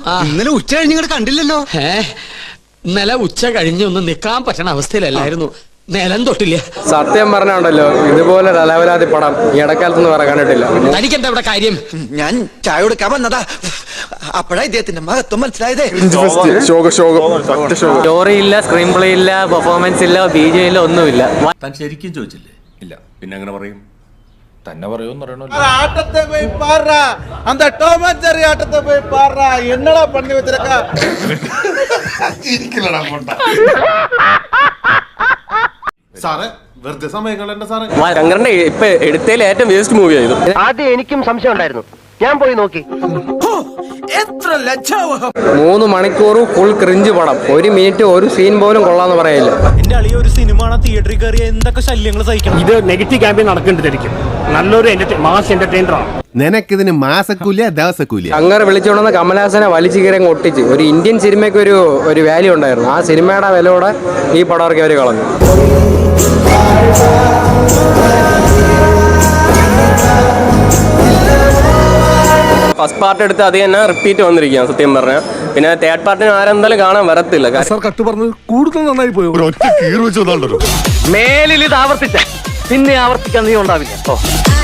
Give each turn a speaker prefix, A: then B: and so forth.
A: ഇന്നലെ ഉച്ച കഴിഞ്ഞ് കണ്ടില്ലല്ലോ.
B: ഇന്നലെ ഉച്ച കഴിഞ്ഞൊന്നും നിക്കാൻ പറ്റണ അവസ്ഥയിലല്ലായിരുന്നു. നിലം തൊട്ടില്ല.
C: സത്യം പറഞ്ഞുണ്ടല്ലോ, ഇതുപോലെ അലവലാതി പടം ഈ ഇടക്കാലത്തൊന്നും വേറെ കണ്ടിട്ടില്ല.
B: തനിക്കെന്താ ഇവിടെ കാര്യം?
A: ഞാൻ ചായ കൊടുക്കാൻ വന്നതാ. അപ്പഴാ ഇദ്ദേഹത്തിന്റെ മഹത്വം മനസ്സിലായതേ.
C: സ്റ്റോറി ഇല്ല, സ്ക്രീൻ പ്ലേ ഇല്ല, പെർഫോമൻസ് ഇല്ല, BJ ഇല്ല, ഒന്നുമില്ല.
D: താൻ ശരിക്കും ചോദിച്ചില്ലേ? ഇല്ല, പിന്നെ അങ്ങനെ പറയും. തന്നെ പറയുമെന്ന് പറയണല്ലോ.
E: ஆட்டத்தை போய் பாடுறா, அந்த டாம் அண்ட் ஜெர்ரி ஆட்டத்தை போய் பாடுறா. என்னடா பண்ணி வச்சிருக்கா? സാറേ വെറുതെ സമയം കളയണ്ട സാറേ.
C: ശങ്കറിന്റെ ഇപ്പൊ എടുത്തതിൽ ഏറ്റവും വേസ്റ്റ് മൂവി ആയിരുന്നു.
F: ആദ്യം എനിക്കും സംശയം ഉണ്ടായിരുന്നു, ഞാൻ പോയി നോക്കി.
C: 3 മണിക്കൂർ ഫുൾ ക്രിഞ്ച് പടം. 1 മിനിറ്റ് ഒരു സീൻ പോലും കൊള്ളാന്ന് പറയില്ല.
G: എന്റെ അളിയ ഒരു സിനിമ തിയേറ്ററിൽ കയറി എന്തൊക്കെ ശല്യങ്ങൾ സഹിക്കണം. ഇത് നെഗറ്റീവ് ക്യാമ്പയിൻ നടക്കേണ്ടതായിരിക്കും. നല്ലൊരു മാസ് എന്റർടൈനർ ആണ്.
H: നിനക്കിതിന് മാസക്കൂല ദിവസക്കൂല.
C: ശങ്കർ വിളിച്ചുകൊണ്ടെന്ന് കമലഹാസനെ വലിച്ചു കീറി ഒട്ടിച്ച് ഒരു ഇന്ത്യൻ സിനിമയ്ക്ക് ഒരു വാല്യൂ ഉണ്ടായിരുന്നു. ആ സിനിമയുടെ വിലയോടെ ഈ പടം ഇറക്കി അവർ കളഞ്ഞു. ഫസ്റ്റ് പാർട്ട് എടുത്ത് അത് തന്നെ റിപ്പീറ്റ് വന്നിരിക്കുകയാണ് സത്യം പറഞ്ഞാൽ. പിന്നെ തേർഡ് പാർട്ടിന് ആരെന്തായാലും കാണാൻ വരത്തില്ല.
H: കൂടുതൽ നന്നായി പോയി.
F: മേലിൽ ഇത് ആവർത്തിച്ച പിന്നെ ആവർത്തിക്കാൻ നീ ഉണ്ടാവില്ല.